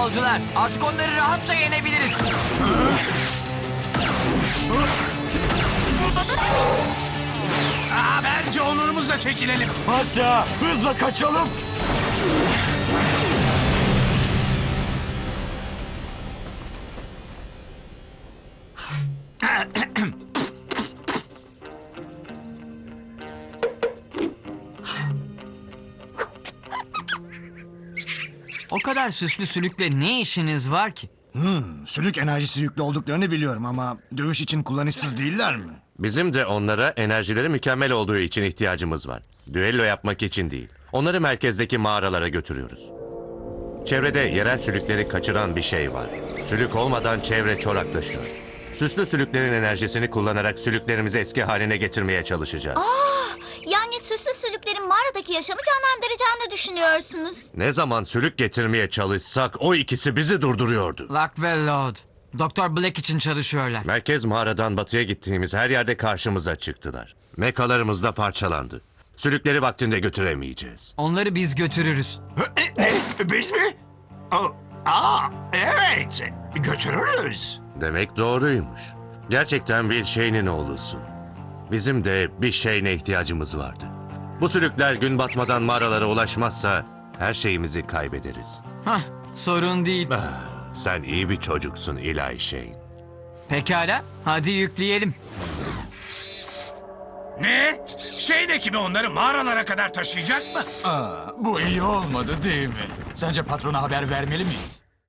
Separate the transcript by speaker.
Speaker 1: yolcular. Artık onları rahatça yenebiliriz.
Speaker 2: Bence onurumuzla çekilelim.
Speaker 3: Hatta hızla kaçalım.
Speaker 1: O kadar süslü sülükle ne işiniz var ki?
Speaker 4: Sülük enerjisi yüklü olduklarını biliyorum ama dövüş için kullanışsız değiller mi?
Speaker 5: Bizim de onlara enerjileri mükemmel olduğu için ihtiyacımız var. Düello yapmak için değil. Onları merkezdeki mağaralara götürüyoruz. Çevrede yerel sülükleri kaçıran bir şey var. Sülük olmadan çevre çoraklaşıyor. Süslü sülüklerin enerjisini kullanarak sülüklerimizi eski haline getirmeye çalışacağız.
Speaker 6: Yani süslü sülüklerin mağaradaki yaşamı canlandıracağını düşünüyorsunuz.
Speaker 5: Ne zaman sülük getirmeye çalışsak o ikisi bizi durduruyordu.
Speaker 1: Lock ve Load. Doktor Black için çalışıyorlar.
Speaker 5: Merkez mağaradan batıya gittiğimiz her yerde karşımıza çıktılar. Mekalarımız da parçalandı. Sülükleri vaktinde götüremeyeceğiz.
Speaker 1: Onları biz götürürüz.
Speaker 2: Ne? Biz mi? Evet. Götürürüz.
Speaker 5: Demek doğruymuş. Gerçekten Will Shane'in oğlusun. Bizim de bir şeyine ihtiyacımız vardı. Bu sülükler gün batmadan mağaralara ulaşmazsa her şeyimizi kaybederiz.
Speaker 1: Hah, sorun değil.
Speaker 5: Sen iyi bir çocuksun Eli Shane.
Speaker 1: Pekala, hadi yükleyelim.
Speaker 2: Ne? Şeyin ekibi onları mağaralara kadar taşıyacak mı?
Speaker 3: Bu iyi olmadı değil mi? Sence patrona haber vermeli miyiz?